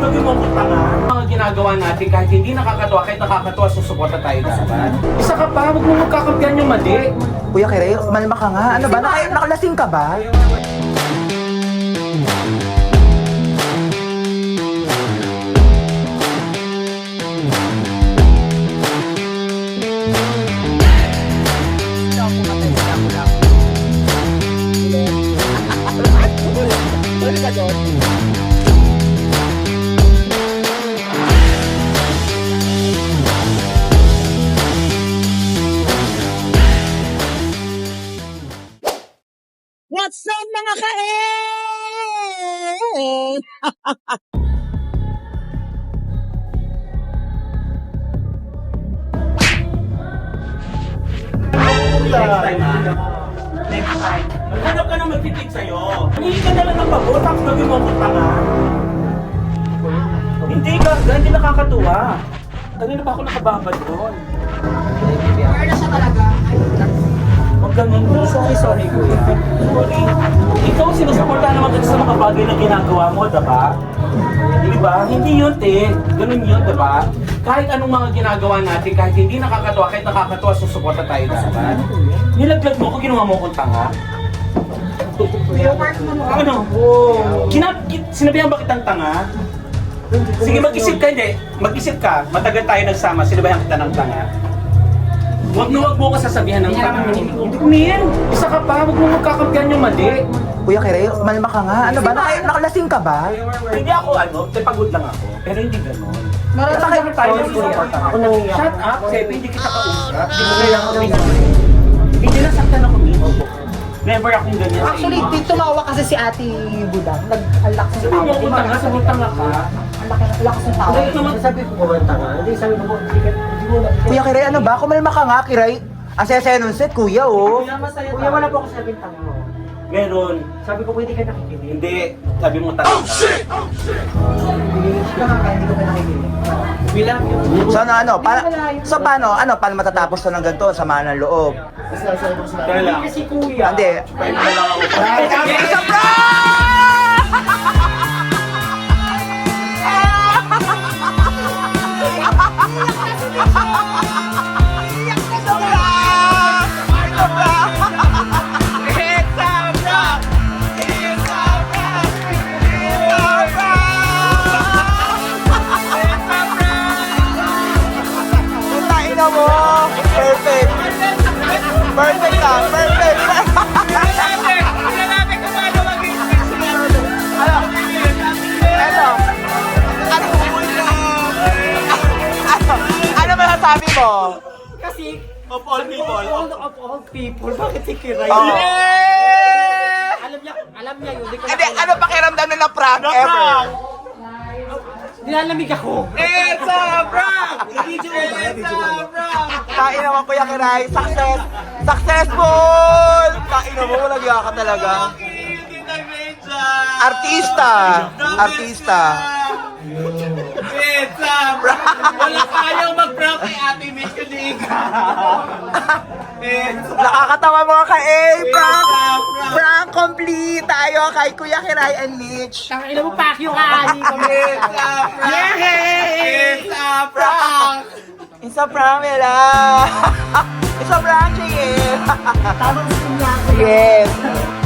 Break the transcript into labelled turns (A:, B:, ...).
A: gawin mo kung tanga. Mga ginagawa natin kahit hindi nakakatuwa, kahit nakakatuwa, susuporta tayo dapat. Isa ka pa, huwag mo magkakampihan yung mali.
B: Kuya Kirey, malma ka nga. Ano ba? Nakalasing ka ba?
C: What's up mga ka-eh?
A: Next time ha. Next time. Maghanap ka na magtitig sa'yo. Hindi ka na lang ng pabot, tapos gawin mo kung tanga. Hindi ka, hindi nakakatuwa. Kanina pa ako nakababad doon.
C: Wala siya talaga.
A: Huwag ganun. Sorry, kuya. Sorry. Ikaw sinusuportahan naman kasi sa mga bagay na ginagawa mo, diba? Diba? Hindi yun, te. Ganun yun, diba? Kahit anong mga ginagawa natin, kahit hindi nakakatuwa, kahit nakakatuwa, susuporta tayo dapat. Nilaglag mo ko, ginawa mo kong tanga. Ano? Sinabihan ba kitang tanga? Sige, mag-isip ka, hindi. Mag-isip ka. Matagal tayo nagsama, sinabihan kita ng tanga. Huwag mo ko sasabihan ng tanga. Hindi ko min. Isa ka pa, huwag mo magkakampihan yung mali.
B: Kuya Kirey, malma ka nga. Ano ba? Nakalasing ka ba?
A: Hindi ako pagod lang ako. Pero hindi ganun.
C: Marami
A: Tayo ng susuporta ako. Shut up, Sebi, hindi kita kausap. Hindi mo kailangan pinagay. Hindi nasaktan ako nito. Never akong ganyan.
C: Actually, tumawa kasi si Ate Budang. Nag-alak sa
A: Sabi mo kung tanga, sabi tanga ka.
C: Lakas ng tawa.
D: Sabi ko ba tanga? Hindi, sabi ko, hindi mo na.
B: Kuya Kirey, ano ba? Kumalma ka nga, Kirey. Ang saya-saya nun set, kuya, oh.
D: Kuya, wala po ako sabing tanga mo.
A: Meron.
D: Sabi ko, pwede ka nakikinig.
A: Hindi. Sabi mo tanga.
D: Hindi ka nakikinig. Bilang yung...
B: So paano? Paano matatapos to ng ganito? Samaan ng loob.
A: Kaya lang.
D: Kasi kuya.
B: Hindi.
A: Pwede na lang ako.
B: Isa mo! Perfect! Perfect ka! Perfect! Ano masasabi mo?
D: Kasi,
A: Of all people.
D: of all people, bakit si Kiray?
B: Oh.
D: Alam niya yun.
B: Hindi, ano pakiramdam na na-prank ever?
D: Nilalamig ako.
A: It's a prank! It's a prank!
B: Kain naman Kuya Kiray. Success! Successful! Kain naman, walang yaka talaga. Artista! Artista!
A: It's a prank! Wala kayang mag-prank kay Ate Mitch kundi ikaw!
B: Nakakatawa mga ka-A! Prank!
A: It's a prank!
B: Prank complete tayo kay Kuya Kiray and Mitch.
D: Tangina mo, pakyo ka.
A: It's a prank! It's a prank!
B: It's a prank, Mela! It's a prank, Chie!
D: Tamang sinya.
B: Yes!